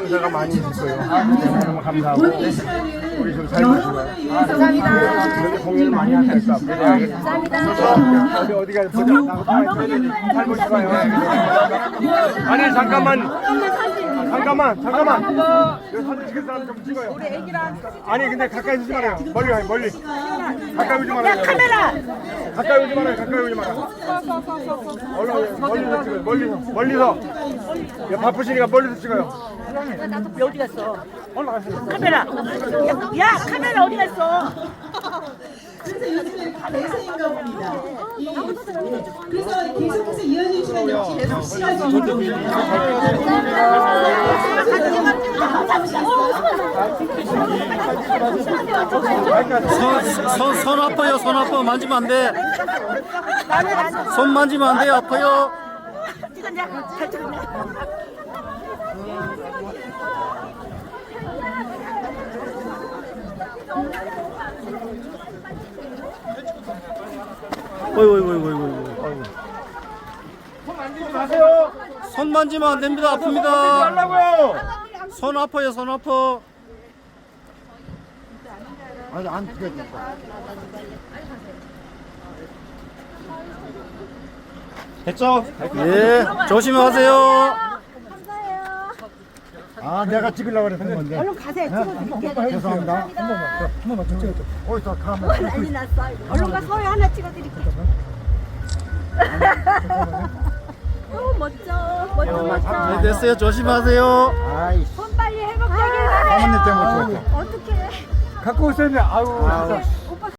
감사가 많이 있을 거예요. 너무 감사하고 우리 좀 살고 있어요. 감사합니다. 이렇게 공연을 많이 하니까 감사합니다. 어디 가서 보자. 살고 있어요. 아니 잠깐만. 여기 사진 찍을 사람 좀 찍어요. 아니 근데 가까이 오지 말아요. 멀리 가요. 멀리. 가까이 오지 말아요. 카메라. 가까이 오지 말아요. 얼른 멀리서 찍어요. 멀리서. 야, 바쁘시니까 멀리서 찍어요. 나도 어디 갔어? 올라가세요. 카메라. 야 카메라 어디 갔어? 그래서 요즘에 대세인가 봅니다. 그래서 계속해서 이어질 시간이 계속 시간이 손 아파요. 손 아파. 만지면 안 돼. 손 만지면 안 돼요. 아파요. 찍었냐? 잘 찍었냐? 어이구. 가세요. 손 만지면 안 됩니다. 아픕니다. 하려고요. 손 아파요. 손 아파. 아니 안 찍어줘. 됐죠? 예. 조심하세요. 아 내가 찍으려고 그랬던 건데. 얼른 가세요. 찍어드릴게요. 죄송합니다. 한 번만 더 찍어줘. 어디서 카메라. 난리 났어. 얼른 가 서요 하나 찍어드릴게요. 너무 멋져. 네, 됐어요. 조심하세요. 아이씨. 손 빨리 회복되길 바래요. 사모님 때문에 찍었죠. 어떡해. 갖고 오셨네. 아유.